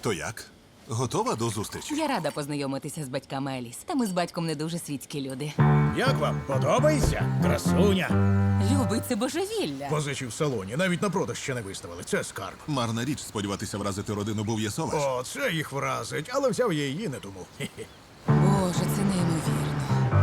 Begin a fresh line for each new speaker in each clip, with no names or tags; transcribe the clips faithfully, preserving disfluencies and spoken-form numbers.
То як? Готова до зустрічі?
Я рада познайомитися з батьками Еліс. Та ми з батьком не дуже світські люди.
Як вам? Подобається? Красуня.
Любий, це божевілля.
Позичі в салоні, навіть на продаж ще не виставили. Це скарб.
Марна річ сподіватися вразити родину Бов'єсоваш.
О, це їх вразить, але взяв я її не тому. Хе-хе.
Боже, це неймовірно.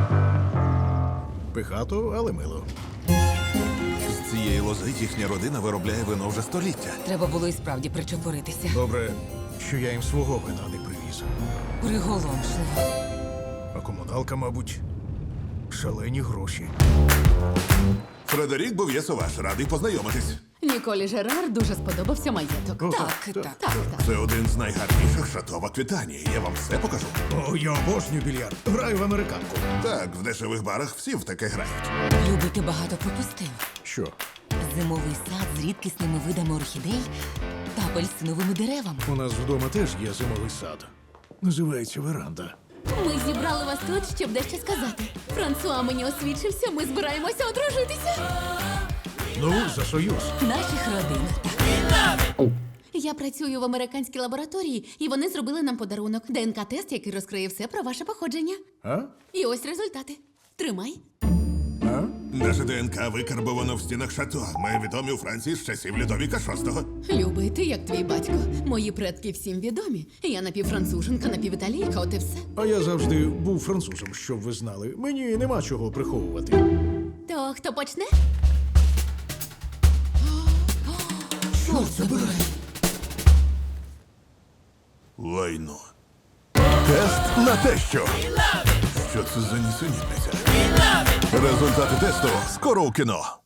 Пихато, але мило.
З цієї лози їхня родина виробляє вино вже століття.
Треба було і справді причепуритися.
Добре, що я їм свого вина не привіз.
Приголомшливо.
А комуналка, мабуть, шалені гроші.
Фредерік Бов'єсоваш, радий познайомитись.
Ніколі Жерар дуже сподобався маєток.
О,
Так, так.
Так, так.
Це один з найгарніших шато в Аквітанії. Я вам все покажу.
О, я обожнюю більярд. Граю в американку.
Так, в дешевих барах всі в таке грають.
Любий, ти багато пропустив.
Що?
Зимовий сад з рідкісними видами орхідей та апельсиновими деревами.
У нас вдома теж є зимовий сад. Називається веранда.
Ми зібрали вас тут, щоб дещо сказати. Франсуа мені освідчився, ми збираємося одружитися.
Ну, за союз.
Наших родин.
Я працюю в американській лабораторії, і вони зробили нам подарунок. ДНК-тест, який розкриє все про ваше походження.
А?
І ось результати. Тримай.
А?
Наше ДНК викарбовано в стінах шато. Ми відомі у Франції з часів Людовіка шостого.
Любий, ти як твій батько. Мої предки всім відомі. Я напівфранцуженка, напівіталійка, от і все.
А я завжди був французом, щоб ви знали. Мені нема чого приховувати.
То хто почне?
Що це було?
Лайно. Тест на те, що. Що це за нісенітниця? Результати тесту скоро у кіно.